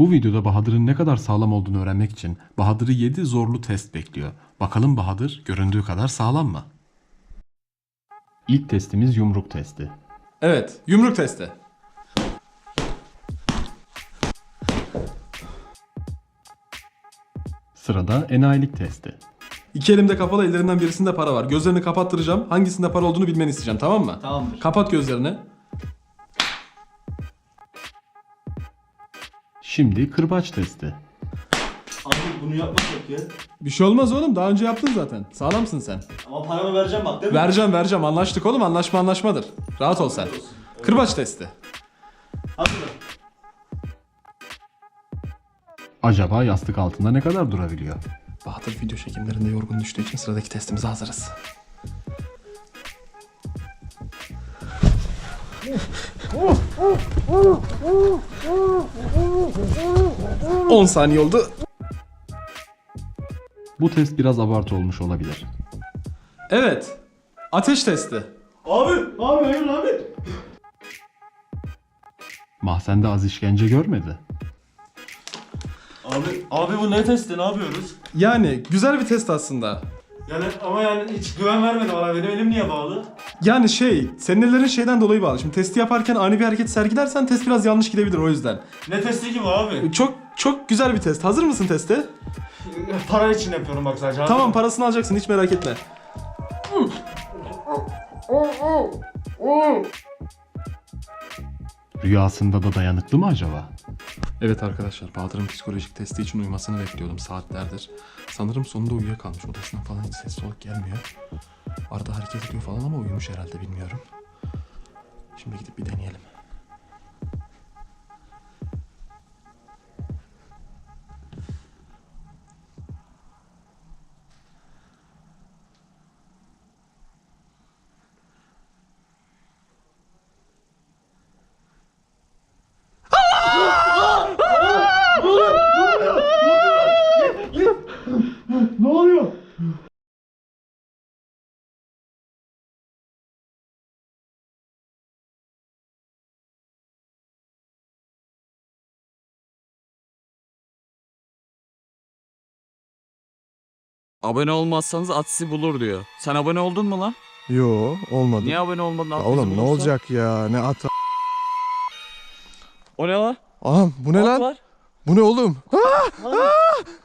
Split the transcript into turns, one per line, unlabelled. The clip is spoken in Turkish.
Bu videoda Bahadır'ın ne kadar sağlam olduğunu öğrenmek için Bahadır'ı 7 zorlu test bekliyor. Bakalım Bahadır göründüğü kadar sağlam mı? İlk testimiz yumruk testi.
Evet, yumruk testi.
Sırada enayilik testi.
İki elimde kapalı, ellerinden birisinde para var. Gözlerini kapattıracağım. Hangisinde para olduğunu bilmeni isteyeceğim, tamam mı?
Tamamdır.
Kapat gözlerini.
Şimdi kırbaç testi.
Abi bunu yapmasak ya.
Bir şey olmaz oğlum, daha önce yaptın zaten. Sağlamsın sen.
Ama paramı vereceğim bak değil mi?
Vereceğim. Anlaştık oğlum, anlaşma anlaşmadır. Rahat ol sen. Kırbaç testi.
Hazır.
Acaba yastık altında ne kadar durabiliyor?
Bahadır video çekimlerinde yorgun düştüğü için sıradaki testimize hazırız. 10 saniye oldu.
Bu test biraz abartı olmuş olabilir.
Evet. Ateş testi.
Abi hayır abi.
Mahzende az işkence görmedi.
Abi bu ne testi, ne yapıyoruz?
Yani güzel bir test aslında.
Yani ama yani hiç güven vermedi bana, benim elim niye bağlı?
Yani senin ellerin şeyden dolayı bağlı. Şimdi testi yaparken ani bir hareket sergilersen test biraz yanlış gidebilir o yüzden.
Ne testi ki bu abi?
Çok güzel bir test. Hazır mısın teste?
Para için yapıyorum bak sadece.
Tamam, parasını alacaksın, hiç merak etme.
Rüyasında da dayanıklı mı acaba?
Evet arkadaşlar, Bahadır'ın psikolojik testi için uyumasını bekliyordum saatlerdir. Sanırım sonunda uyuyakalmış, odasından falan hiç ses soluk gelmiyor. Arada hareket ediyor falan ama uyumuş herhalde, bilmiyorum. Şimdi gidip bir deneyelim.
Ne oluyor?
Abone olmazsanız at sizi bulur diyor. Sen abone oldun mu lan?
Yo olmadı.
Niye abone olmadın? At
Ya
bizi
oğlum ne
bulursa?
olacak ya? Ne at?
O ne lan?
Aha bu ne
At
lan?
var.
Bu ne oğlum? Ah! Ah!